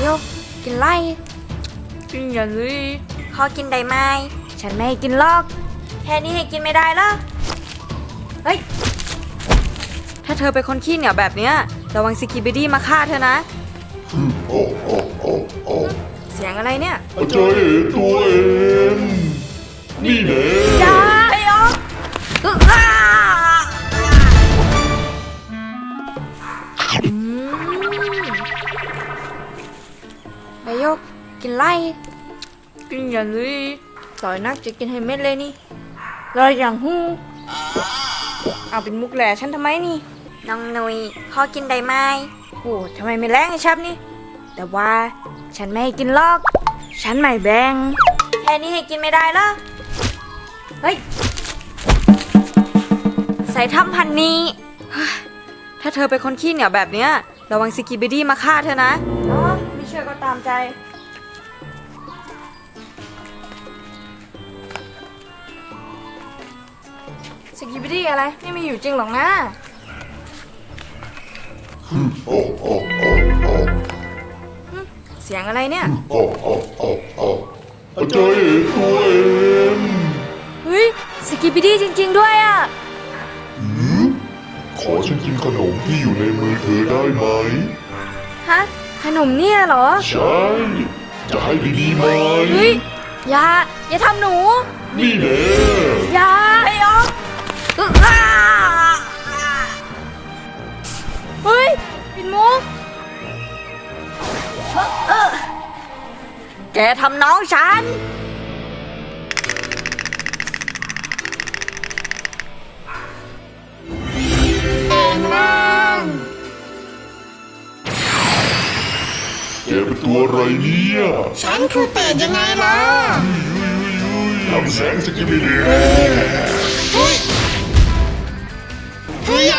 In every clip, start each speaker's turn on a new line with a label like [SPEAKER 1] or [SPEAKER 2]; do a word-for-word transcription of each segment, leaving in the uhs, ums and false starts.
[SPEAKER 1] ยกกินไล่
[SPEAKER 2] กินอย่าเลย
[SPEAKER 1] ขอกินได้ไหมฉันไม่ให้กินลอกแค่นี้ให้กินไม่ได้เหรอเฮ้ยถ้าเธอเป็นคนขี้เหนียวแบบเนี้ยระวังสกิบิดี้มาฆ่าเธอนะ
[SPEAKER 3] โอ้โอ้โอ้โอ้
[SPEAKER 1] เสียงอะไรเนี่ย
[SPEAKER 3] อาจารย์เอ๋ตัวเองนี่แน่
[SPEAKER 1] อย่าไอ้ยกอึ๊กอ่าอืมไอ้ยกกินไล่
[SPEAKER 2] กินอย่าเลย
[SPEAKER 1] สอยนักจะกินให้เม็ดเลยนี่รอยอย่างหูเอาเป็นมุกแหล่ฉันทำไมนี่น้องนุยขอกินได้ไหมโอ้ทำไมไม่แรงไอ้ชับนี่แต่ว่าฉันไม่ให้กินลอกฉันไม่แบ่งแค่นี้ให้กินไม่ได้เหรอเฮ้ยใส่ถ้ำพันนี้ถ้าเธอเป็นคนขี้เหนียวแบบเนี้ยระวังสกิบิดี้มาฆ่าเธอนะอ๋อไม่เชื่อก็ตามใจสกิบิดี้อะไรไม่มีอยู่จริงหรอกนะ
[SPEAKER 3] โอ้โอ้โอ้โอ้
[SPEAKER 1] เสียงอะไรเนี่ย
[SPEAKER 3] โอ้โอ้โอ้โอ้อาจารย์เอ๋ตัวเอง
[SPEAKER 1] เฮ้ยสกิบิดี้จริงๆด้วยอ่ะ
[SPEAKER 3] ขอฉันกินขนมที่อยู่ในมือเธอได้ไหม
[SPEAKER 1] ฮะขนมเนี่ยเหรอ
[SPEAKER 3] ใช่จะให้ดีๆไหม
[SPEAKER 1] เฮ้ยอย่าอย่าทำหนู
[SPEAKER 3] นี่แน่
[SPEAKER 1] อย่าไอ้อ๊อฟเฮ้ยปิ่นมุกแกทำน้องฉันแองล่าง
[SPEAKER 3] แกเป็นตัวอะไรเนี่ย
[SPEAKER 4] ฉันคือเป็ดยังไงล่ะ
[SPEAKER 3] ทำแสงสกิบิดี้
[SPEAKER 4] เฮ้ยเฮ้ย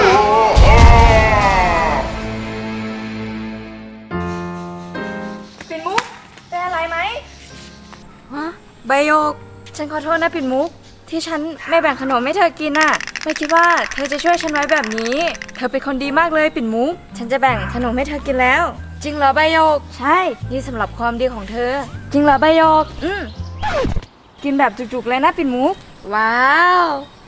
[SPEAKER 1] ปิ่นมุกเป็นอะไรไหมฮะใบโยกฉันขอโทษนะปิ่นมุกที่ฉันไม่แบ่งขนมให้เธอกินน่ะไม่คิดว่าเธอจะช่วยฉันไว้แบบนี้เธอเป็นคนดีมากเลยปิ่นมุกฉันจะแบ่งขนมให้เธอกินแล้วจริงเหรอใบโยกใช่นี่สำหรับความดีของเธอจริงเหรอใบโยกอืมกินแบบจุกๆเลยนะปิ่นมุกว้าว